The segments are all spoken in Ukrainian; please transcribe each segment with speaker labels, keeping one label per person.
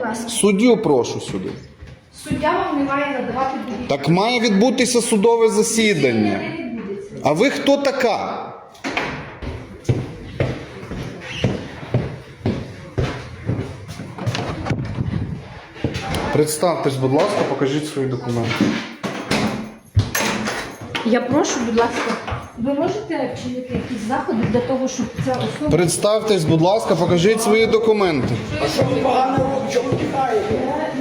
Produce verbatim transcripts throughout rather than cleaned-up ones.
Speaker 1: ласка.
Speaker 2: Суддю прошу сюди.
Speaker 1: Суддя вам не має надавати довідку.
Speaker 2: Так має відбутися судове засідання.
Speaker 1: Не відбудеться.
Speaker 2: А ви хто така? Представтесь, будь ласка, покажіть свої документи.
Speaker 1: Я прошу, будь ласка, ви можете вчинити якісь заходи для того, щоб ця особа...
Speaker 2: Представтесь, будь ласка, покажіть свої документи.
Speaker 3: А що ви погано робите? Чому ви тікаєте?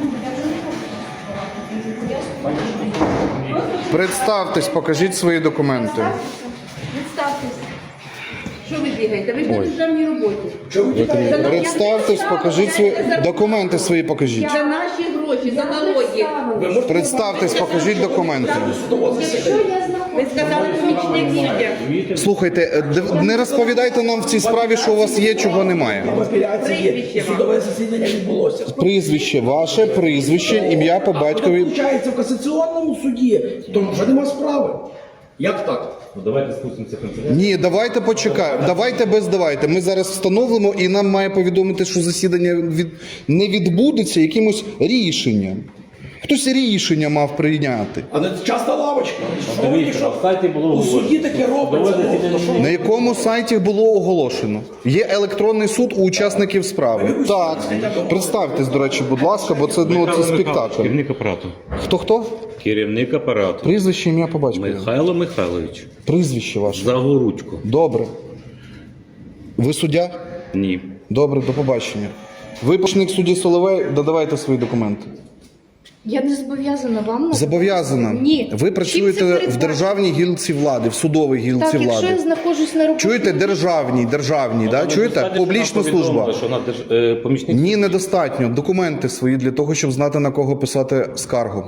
Speaker 2: Представтесь, покажіть свої документи.
Speaker 1: Представтесь. Що ви бігаєте? Ви ж на державній роботі.
Speaker 3: Чому ви тікаєте?
Speaker 2: Представтесь, покажіть свої документи свої покажіть.
Speaker 4: За наші гроші, за налоги.
Speaker 3: Ви можете
Speaker 2: Представтесь, покажіть документи.
Speaker 3: судово засідання?
Speaker 1: Що я знаходжу?
Speaker 4: Ви сказали, помічник їде.
Speaker 2: Слухайте, е, д- не розповідайте нам в цій справі, що у вас є, чого немає.
Speaker 3: В апеляції є. Судове засідання відбулося.
Speaker 2: Прізвище ваше, прізвище, ім'я по батькові.
Speaker 3: Виходить, в касаційному суді, тому вже нема справи. Як так?
Speaker 5: Ну давайте спустимося в канцелярію.
Speaker 2: Ні, давайте почекаємо. Давайте без давайте. Ми зараз встановимо і нам має повідомити, що засідання від... не відбудеться якимось рішенням. Хтось рішення мав прийняти.
Speaker 3: А не часто лавочка. Що ви,
Speaker 5: Дивіться, на
Speaker 3: якщо
Speaker 5: сайті було
Speaker 3: у
Speaker 5: оголошено.
Speaker 3: суді таке робиться?
Speaker 5: Судове
Speaker 3: ну, то що?
Speaker 2: На якому сайті було оголошено? Є електронний суд у учасників справи. Так. Представтесь, до речі, будь ласка, бо це, ну, це спектакль.
Speaker 5: Керівник апарату.
Speaker 2: Хто-хто?
Speaker 5: Керівник апарату.
Speaker 2: Прізвище, ім'я по батькові.
Speaker 5: Михайло Михайлович.
Speaker 2: Прізвище ваше.
Speaker 5: Загоручко.
Speaker 2: Добре. Ви суддя?
Speaker 5: Ні.
Speaker 2: Добре, до побачення. Ви помічник судді Соловей, додавайте свої документи.
Speaker 1: Я не зобов'язана вам надавати.
Speaker 2: Зобов'язана.
Speaker 1: Ні.
Speaker 2: Ви
Speaker 1: Чим це
Speaker 2: працюєте в
Speaker 1: передбачено?
Speaker 2: державній гілці влади, в судовій гілці
Speaker 1: Так, якщо
Speaker 2: влади.
Speaker 1: я знаходжусь на роботі...
Speaker 2: Чуєте, державній, державній, да? Чуєте? Публічна служба.
Speaker 5: Що вона держ- е, помічник?
Speaker 2: Ні, недостатньо. Документи свої для того, щоб знати, на кого писати скаргу.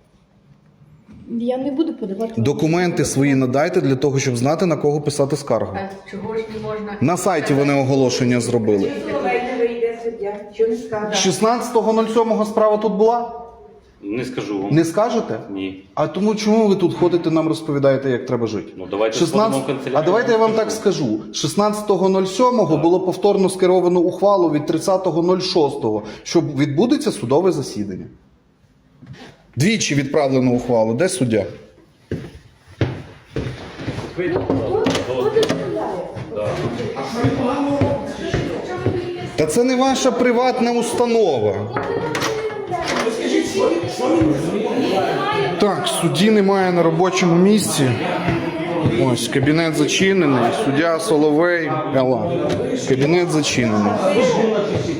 Speaker 1: Я не буду подавати...
Speaker 2: Документи свої надайте для того, щоб знати, на кого писати скаргу.
Speaker 4: Чого ж не можна?
Speaker 2: На сайті вони оголошення зробили.
Speaker 4: Соловей не вийде суддя. Що не скаже?
Speaker 2: шістнадцятого сьомого справа тут була?
Speaker 5: Не скажу вам.
Speaker 2: Не скажете?
Speaker 5: Ні.
Speaker 2: А тому чому ви тут ходите, нам розповідаєте, як треба жити?
Speaker 5: Ну, давайте
Speaker 2: шістнадцять...
Speaker 5: сходимо в канцелярію.
Speaker 2: А давайте я вам так скажу. шістнадцятого сьомого було повторно скеровано ухвалу від тридцятого шостого, що відбудеться судове засідання. Двічі відправлено ухвалу. Де суддя? Та це не ваша приватна установа. Так, судді немає на робочому місці. Ось, кабінет зачинений. Суддя Соловей. Ела. Кабінет зачинений.